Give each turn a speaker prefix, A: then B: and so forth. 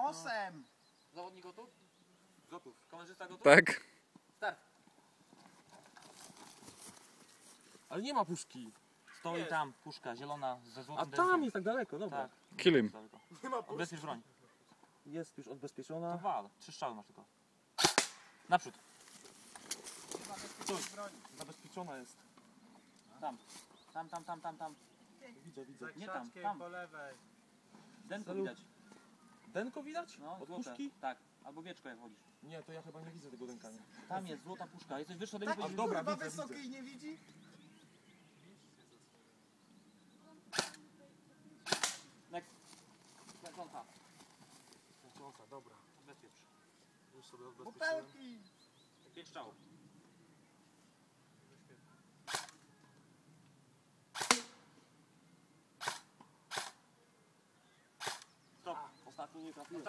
A: nosem!
B: Zawodnik gotów?
C: Gotów.
B: Kamerzysta gotów?
D: Tak.
B: Start.
C: Ale nie ma puszki.
B: Stoi
A: Jest.
B: tam puszka zielona ze
C: A
B: złotym
C: tam
B: dębem.
C: jest tak daleko, dobra.
B: Tak.
D: Kill him.
B: Daleko.
A: Nie ma puszki.
B: Odbezpiecz broń.
C: Jest już
B: To
C: odbezpieczona.
B: wal. 3 strzały masz tylko. Naprzód.
C: Coś. Zabezpieczona jest.
B: Tam. Tam.
C: Widzę.
B: Nie tam,
A: Krzaczkiem
B: tam.
A: po lewej.
B: Denko
C: Salut.
B: widać.
C: Denko widać?
B: No,
C: Od
B: złote.
C: puszki?
B: Tak. Albo wieczko jak chodzisz.
C: Nie, to ja chyba nie widzę tego denka. Nie.
B: Tam jest złota puszka. Jesteś wyższy ode
A: Tak,
B: mnie.
C: A dobra,
A: kurwa
C: widzę,
A: wysoki
C: widzę.
A: i nie widzi?
B: Next. Kręconka.
C: Kręcąca, dobra.
B: Bezpiecz.
C: Już sobie odbezpieczyłem.
A: Butelki!
B: 5 strzałów. Stop.
C: Ostatni nie trafiłem.